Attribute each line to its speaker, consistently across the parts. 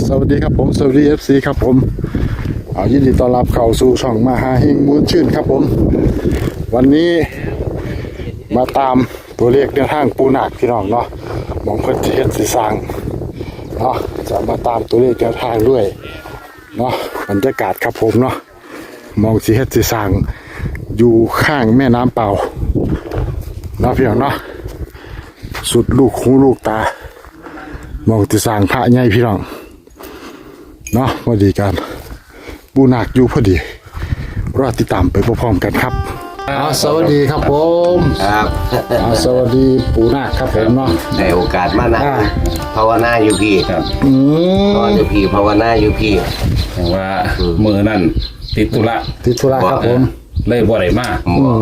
Speaker 1: สวัสดีครับผมสวัสดี FC ครับผมยินดีต้อนรับเข้าสู่ช่องมหาเฮงมูลชื่นครับผมวันนี้มาตามตัวเลขในทางปูนาคพี่น้องเนาะมองเพิ่นสิเฮ็ดสิสร้างเนาะจะมาตามตัวเลขในทางด้วยเนาะบรรยากาศครับผมเนาะมองสิเฮ็ดสิสร้างอยู่ข้างแม่น้ำเปล่าเนาะพี่น้องเนาะสุดลูกหูลูกตามองสิสร้างพระใหญ่พี่น้องเนาะพอดีกันปูนาคอยู่พอดีรอติดตามไปพร้อมๆกันครับสวัสดีครับผม
Speaker 2: ครับ
Speaker 1: สวัสดีปูนาคครับผมเนาะ
Speaker 2: ในโอกาสมานะภาวนาอยู่พี่ครับนอนอยู่พี่ภาวนาอยู่พี่
Speaker 3: แต่ว่ามือนั่นติดธุระ
Speaker 1: ครับผม
Speaker 3: เลยบ่ได้มา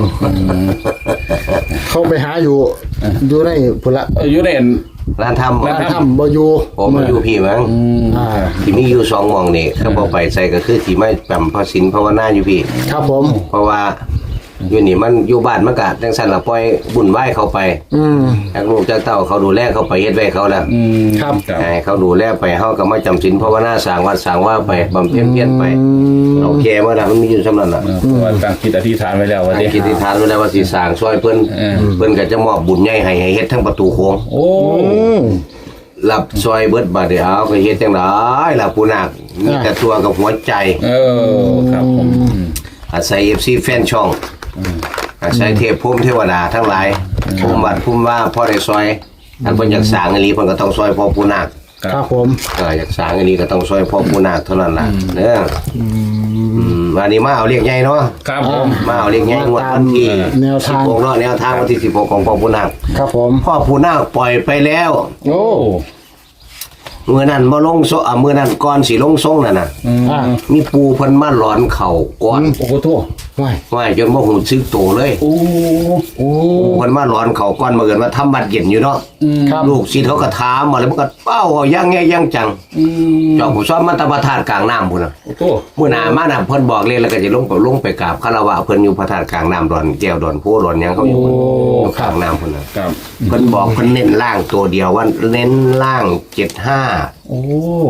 Speaker 1: เข้าไปหาอยู่ในพุ่นละ
Speaker 3: อยู่ใน
Speaker 2: ร้านท
Speaker 1: ำบ่อยู่
Speaker 2: ผมมาอยู่พี่มั้งที่มีอยู่2หม่องนี่เขาบ่ไปใส่ก็คือที่ไม่จำพระศีลภาวนาอยู่พี่
Speaker 1: ครับผม
Speaker 2: เพราะว่าอยู่นี่มันอยู่บ้านมันก็จังซั่นล่ะปล่อยบุญไหว้เขาไปจากลูกจากเต้าเขาดูแลเขาไปเฮ็ดไว้เขาแล้ว
Speaker 1: ครับ
Speaker 2: ให้เขาดูแลไปเฮาก็มาจำศีลภาวนาสร้างวัดสร้างว่าไปบำเพ็ญเพียรไปโอเคบ่ล่ะมันมีอยู่ซำนั้นน่ะ
Speaker 3: ว่าตั้งจิตอธิษฐานไว้แล้วว่าสิ
Speaker 2: อธิษฐานไว้แล้วว่าสิสร้างช่วยเพิ่นก็จะมอบบุญใหญ่ให้เฮ็ดทั้งประตูโค้ง
Speaker 3: โอ้
Speaker 2: รับซอยเบิดบาดเดียวก็เฮ็ดจังได๋ล่ะผู้นาคมีแต่ตัวกับหัวใจ
Speaker 3: ครับผม
Speaker 2: อาศัย FC แฟนช่องอาศัยเทพภูมิเทวดาทั้งหลายภูมิวัดภูมิว่าพ่อได้ซอยอันเพิ่นอยากสร้างอีหลีเพิ่นก็ต้องซอยพ่อผู้นาค
Speaker 1: ครับผม
Speaker 2: อยากสร้างอีหลีก็ต้องซอยพ่อผู้นาคเท่านั้นล่ะเด้อวันนี้มาเอาเลขใหญ่เนาะ
Speaker 3: ครับผม
Speaker 2: มาเอาเลขใหญ่งวดวันที่16เนาะแนวทางวันที่16ของพ่อผู้นาค
Speaker 1: ครับผม
Speaker 2: พ่อผู้นาคปล่อยไปแล้ว
Speaker 1: โอ้
Speaker 2: มื้อนั้นบ่ลงโซมื้อนั้นก่อนสิลงทรงนั่นน่ะมีปูเพิ่นมาหลอนเข่าก่อน
Speaker 3: โอ้โหโธ่
Speaker 2: ว่าจนบ่ฮู้สึกโตเลย
Speaker 3: โอ้
Speaker 2: เพิ่นมาหลอนเข่าก่อนมื้อเอิ้นว่าทำบัดเย็นอยู่เนาะลูกศิษย์เขาก็ถามมาแล้วมันก็เป้าเอาอย่างแง่อย่างจังเจ้าผู้สอนมันตะพระธาตุกลางน้ำพุ่นน่ะ
Speaker 3: โอ้โธ่
Speaker 2: มื้อหน้ามาน่ะเพิ่นบอกเลยแล้วก็จะลงไปกราบคารวะเพิ่นอยู่พระธาตุกลางน้ำดอนแก้วดอนโพดอนหยังเขาอยู่ข้างน้ำพุ่นน่ะเพิ่นบอกเพิ่นเน้นล่างตัวเดียวว่าเน้นล่าง75
Speaker 3: โอ้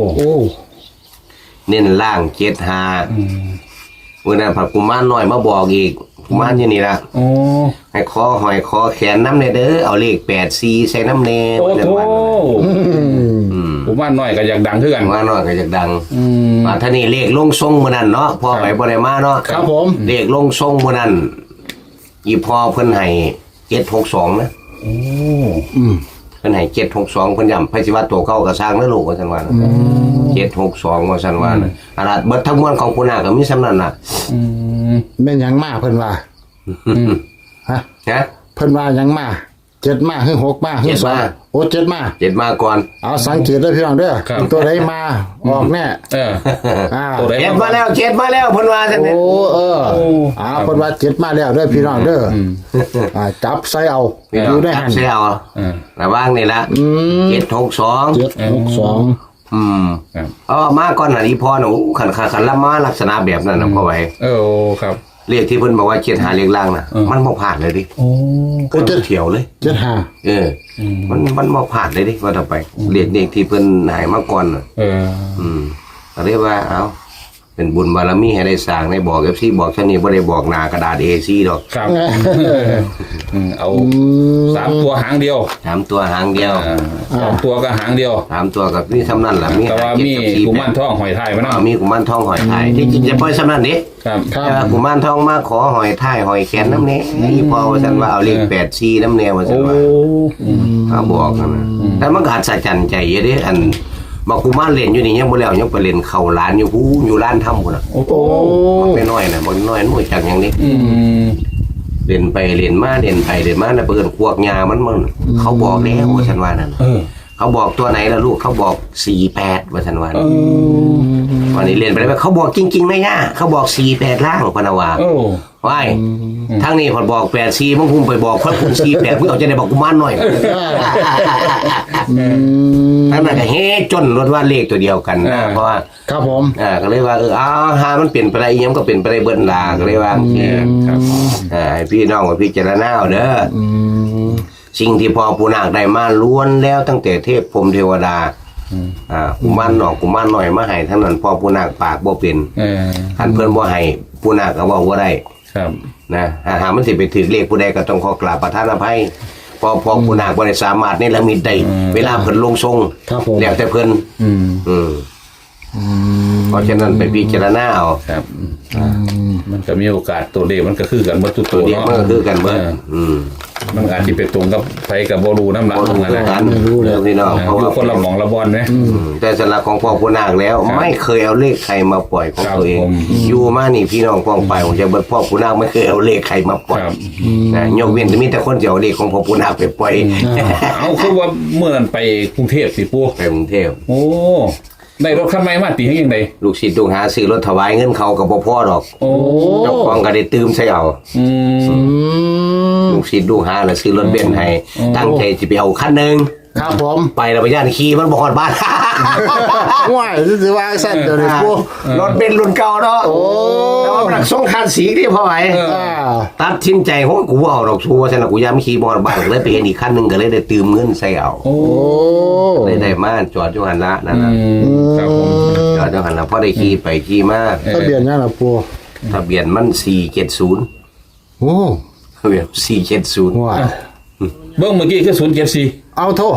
Speaker 2: เน้นล่าง75มื้อนั้นพระกุมารน้อยมาบอกอีกกุมารอยู่นี่ล่ะให้คอหอยคอแขนน้ำเด้อเอาเลข84ใส่น้ำแน่
Speaker 3: ว่าจังว่ากุมารน้อยก็อยากดังคือกัน
Speaker 2: กุมารน้อยก็อยากดังว่าท่านี่เลขลงทรงมื้อนั้นเนาะพ่อไปบ่ได้มาเนาะ
Speaker 1: ครับผม
Speaker 2: เลขลงทรงมื้อนั้นอีพ่อเพิ่นให้762นะเพิ่นให้762เพิ่นย้ำไผสิว่าตัวเก่าก็สร้างนะลูกว่าซั่นว่า762ว่าซั่นว่าอาราเบิดทั้งมวลของผู้นาคก็มีส่ำนั้นน่ะ
Speaker 1: แม่นหยังมาเพิ่นว่าฮะเพิ่นว่าหยังมา7มาคือ6มาคือ2โอ้7มา
Speaker 2: ก่อน
Speaker 1: เอาสังเกตเด้อพี่น้องเด้อตัวใดมาออกแน่
Speaker 2: ตัวใด7มาแล้วเพิ่นว่าซั่น
Speaker 1: โอ้เพิ่นว่า7มาแล้วเด้อพี่น้องเด้อจับใส่เอาอยู่ได้หั่น
Speaker 2: ใส่เอาระวังนี่ล่ะ762มาก่อนน่ะอีพ่อน่ะขันละมาลักษณะแบบนั้นน่ะพ่อไว้
Speaker 3: ครับ
Speaker 2: เลขที่เพิ่นบอกว่า75เลขล่างน่ะมันบ่ผ่านเลยดิก็จะเถียวเลย75มันบ่ผ่านเลยดิว่าต่อไปเลขที่เพิ่นให้มาก่อนน่ะก็เรียกว่าเอ้าเป็นบุญบารมีให้ได้สร้างได้บอก FC บอกเท่านี้บ่ได้บอกหน้ากระดาษ A4 ดอก
Speaker 3: ครับเอา3ตัวหางเดียว
Speaker 2: 3ตัวหางเดียว
Speaker 3: 2ตัวก็หางเดียว
Speaker 2: 3ตัวกับนี่เท่านั้นล่ะ
Speaker 3: แต่ว่ามีกุมารทองหอยทายมาเนาะ
Speaker 2: มีกุมารทองหอยทายที่จริงจะปล่อยเท่านั้นดิ
Speaker 3: ครับ
Speaker 2: แต่ว่ากุมารทองมาขอหอยทายหอยแขนน้ำแน่อีพ่อว่าซั่นว่าเอาเลข84น้ำแน่ว่าซั่นว่าเขาบอกนะแต่มันก็หัดสะจันใจอยู่ดิอันบอกกุมารเล่นอยู่นี่ยังบ่แล้วยังไปเล่นเข้าร้านอยู่ฮู้อยู่ร้านทำพุ่นน่ะ
Speaker 1: โอ้โห
Speaker 2: มันน้อยน่ะบ่น้อยมันรู้จักหยังนี่เล่นไปเล่นมาน่ะเปิ้นพวกยามันเขาบอกแล้วว่าซั่นว่านั่นเขาบอกตัวไหนล่ะลูกเขาบอก48ว่าซั่นว่าวันนี้เล่นไปแล้วเขาบอกจริงๆนะย่าเขาบอก48ล่างพะนะว่าว้ายทางนี้พอบอก84มึงคุมไปบอกเพิ่นคุม48มึงเอาจะได้บอกกุมารน้อยนั่นน่ะก็เฮ็ดจนรถว่าเลขตัวเดียวกันนะเพราะว่า
Speaker 1: ครับผม
Speaker 2: ก็เลยว่าหามันเปลี่ยนไปได้อีหยังก็เป็นไปได้เบิดล่ะก็เลยว่าครับให้พี่น้องพิจารณาเอาเด้อสิ่งที่พ่อปู่นาคได้มาล้วนแล้วตั้งแต่เทพพรหมเทวดากุมารหนอกกุมารหน่อยมาให้ทั้งนั้นพ่อผู้นาคปากบ่เป็นคันเพิ่นบ่ให้ผู้นาคก็เว้าบ่ได้
Speaker 3: ครับ
Speaker 2: นะหามันสิไปถือเลขผู้ใดก็ต้องขอกราบประทานอภัยพอผู้นาคบ่ได้สามารถนี่ละมิตได้เวลาเพิ่นลงทรงแล้วแต่เพิ่นเพราะฉะนั้นไปพิจารณาเอา
Speaker 3: ครับมันก็มีโอกาสตัวเลขมันก็คือกันหมดทุกตัวเนาะ
Speaker 2: มันก็คือกันเบิด
Speaker 3: มันอาจจะไปตรงกับไผกับบ่รู้นำหลังนั่นแหละ
Speaker 2: พี่น้อง
Speaker 3: เพราะว่าคนละหม่องละบ่อนนะ
Speaker 2: แต่สำหรับของพ่อผู้นาคแล้วไม่เคยเอาเลขใครมาปล่อยของตัวเองอยู่มานี่พี่น้องป้องไปผมจะเบิดพ่อผู้นาคไม่เคยเอาเลขใครมาปล่อยนะยกเว้นจะมีแต่คนจะเอาเลขของพ่อผู้นาคไปปล่อย
Speaker 3: เอาคือว่าเมื่อนั้นไปกรุงเทพสิปู่
Speaker 2: ไปกรุงเทพ
Speaker 3: โอ้ได้รถคันใหม่มาตีให้ยังไง
Speaker 2: ลูกศิษย์ลูกหาซื้อรถถวายเงินเขากับพ่อดอกเจ้าของก็ได้ตืมใส่เอาลูกศิษย์ลูกหาแล้วซื้อรถเบนซ์ให้ตั้งใจจะไปเอาคันนึง
Speaker 1: ครับผม
Speaker 2: ไปแล้วไปย่านขี่มันบ่ฮอดบ้าน
Speaker 1: ว้ายสิว่าสั่นเดี๋ยวนี้ปู่
Speaker 2: รถเบนซ์รุ่นเก่าเนาะแต่ว่ามันส่งคันสีที่พ่อไหวตัดสินใจโหกูบ่เอาดอกชัวร์ซั่นน่ะกูยามขี่บ่ฮอดบ้านเลยไปเห็นอีกคันนึงก็เลยได้ตืมเงินใส่เอาเลยได้มาจอดอยู่หั่นละนั่นน่ะ
Speaker 3: ครับผม
Speaker 2: จอดอยู่หั่นละพอได้ขี่ไปขี่มา
Speaker 1: ทะเบียนยังล่ะปู่
Speaker 2: ทะเบียนมัน470
Speaker 1: โอ้
Speaker 2: ทะเบียน470
Speaker 1: ว้า
Speaker 3: เบิ่งเมื่อกี้คือ074
Speaker 1: เอาโทษ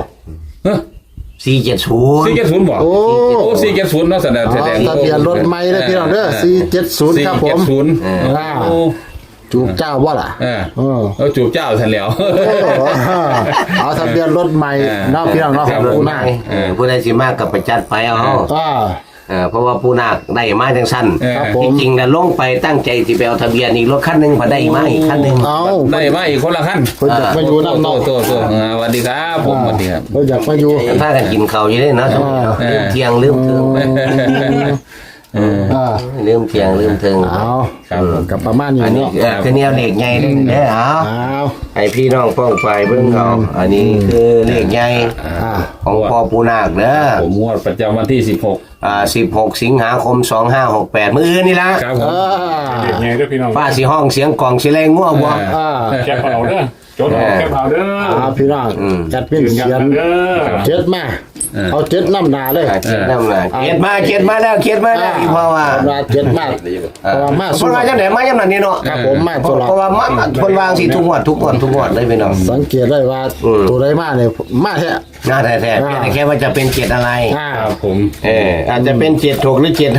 Speaker 2: 470
Speaker 3: บ่โอ้470เนาะแสดง
Speaker 1: ทะเบียนรถใหม่เด้อพี่น้องเด้อ470ครับผมจูบเจ้าบ่ล่ะ
Speaker 3: จูบเจ้าซั่นแล้ว
Speaker 1: เอาทะเบียนรถใหม่เนาะพี่น้องเนาะของผู้นาค
Speaker 2: ผู้ใดสิมากก็ไปจัดไปเอาเพราะว่าผู้นาคได้มาจังซั่นจริงๆน่ะลงไปตั้งใจสิไปเอาทะเบียนอีกรถคันนึงพอได้มาอีกคันนึง
Speaker 3: ได้มาอีกคนละคัน
Speaker 1: เพิ่นอยากมาอยู่นำเนาะ
Speaker 3: สวัสดีครับผมสวัสดีครับ
Speaker 1: เพิ่นอยากมาอยู่
Speaker 2: ถ้ากันกินข้าวอยู่เด้เนาะลืมเที่ยงลืมถึงลืมเที่ยงลืมถึง
Speaker 1: เอาครับกับประมาณนี้เนาะ
Speaker 2: คือแนวเลขใหญ่เด้อเอาให้พี่น้องป้องไปเบิ่งเอาอันนี้คือเลขใหญ่ของพ่อปู่นาคเด้อ
Speaker 3: ผมงวดประจำวันที่
Speaker 2: 16สิงหาคม2568มื้ออื่นนี่ล่ะ
Speaker 3: ครับผม
Speaker 4: เด็กใหญ่เด้อพี่น้อง
Speaker 2: ฟ้าสิห้องเสียงกล่องสิแรงงัวบ่
Speaker 4: แคปเอาเด้อจดแคปเอาเด้อ
Speaker 1: พี่น้องจัดเป็นเสียงเจ็ดมาเอาเจ็ดน้ำหนาเลย
Speaker 2: เจ็ดน้ำหนาเจ็ดมาแล้วอีพ่อว่า
Speaker 1: เจ็ดมาเพราะว่ามา
Speaker 2: คนว่าจังได๋มายังนั้นนี่เนาะ
Speaker 1: ครับผมมาตลอด
Speaker 2: เพราะว่ามาคนวางสิทุกงวดได้พี่น้อง
Speaker 1: สังเกตได้ว่าตัวใดมาเนี่ยมาแท้
Speaker 2: น่าแท้ๆแค่ว่าจะเป็น7อะไร
Speaker 3: ครับผม
Speaker 2: อาจจะเป็น76หรือ75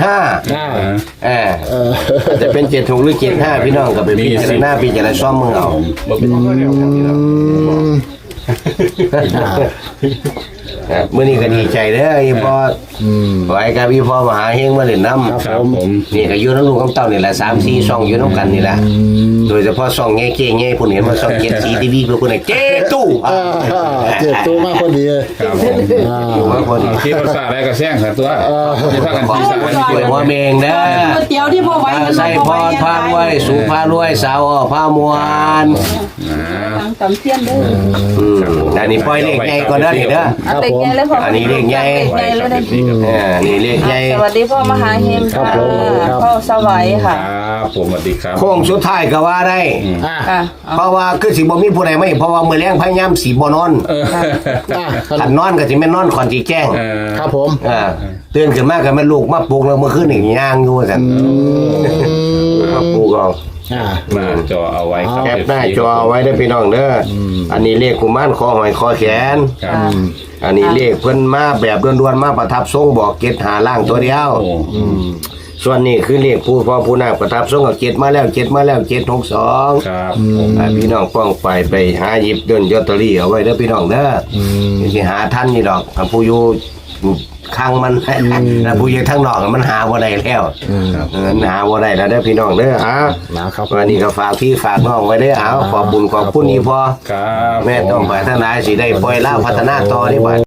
Speaker 2: อาจจะเป็น76หรือ75พี่น้องก็ไปพิจารณาซ่อมมือเอามื้อนี้ก็ดีใจเด้ออีพ่อไว้กับอีพ่อมหาเฮงมาเล่นน้ำ
Speaker 3: ครับผม
Speaker 2: นี่ก็อยู่นำลูกกับเต้านี่แหละ3-4ช่องอยู่นำกันนี่แหละโดยเฉพาะช่องแง่ๆๆพุ่นเห็นว่าช่อง7สีทีวีพวกพุ่นเจ๊ตู้
Speaker 1: เจ๊ตู้มาพอดี
Speaker 3: ครับผมมาพอดีที่ภาษาอะไรก็แซงครับตัวที่พากันที่สาย
Speaker 2: ช่วยว่าเมงเด้อ
Speaker 5: ก๋วยเตี๋ยวที่พ่อไว้
Speaker 2: ใส่พรพารวยสุภารวยสาวพามวน
Speaker 5: ตำเทียนเด้อ
Speaker 2: อันนี้ปล่อยเลขใหญ่ก่อนเด้อนี่เด้อ
Speaker 5: ครับผม
Speaker 2: อันนี้เลขใหญ่นี่เลขใหญ่
Speaker 5: สวัสดีพ่อมหาเฮงค่ะพ่อสวัยค่ะ
Speaker 3: ครับผมสวัสดีครับ
Speaker 2: โค้งสุดท้ายก็ว่าได้เพราะว่าคือสิบ่มีผู้ใดไม่เพราะว่ามื้อแลงพยายามสิบ่นอนถ้านอนก็สิแม่นนอนก่อนสิแจ้ง
Speaker 1: ครับผม
Speaker 2: ตื่นขึ้นมาก็แม่ลูกมาปลุกแล้วเมื่อคืนนี่ย่างอยู่ซั่นมาปลุกเอา
Speaker 3: หน้าจอเอาไว้ครับ
Speaker 2: แคปหน้าจอเอาไว้ได้พี่น้องเด้ออันนี้เลขกุมารคอหอยคอแขนอันนี้เลขเพิ่นมาแบบด่วนๆมาประทับทรงบอกเกตหาล่างตัวเดียวส่วนนี้คือเลขผู้พ่อผู้นาคประทับทรงกับเกตมาแล้ว762
Speaker 3: ครับ
Speaker 2: พี่น้องป้องไปหาหยิบเดินลอตเตอรี่เอาไว้เด้อพี่น้องเด้อสิหาทันนี่ดอกผู้อยู่ข้างมันนะผู้อยู่ทางนอกมันหาบ่ได้แล้วหาบ่ได้แล้วเด้อพี่น้องเด้อ
Speaker 1: นะครับ
Speaker 2: วันนี้ก็ฝากพี่ฝากน้องไว้เด้อขอบบุญขอบคุณอีพ่อแม่ต้องไปทางไหนสิได้ปล่อยล่าพัฒนาต่อนี่บัด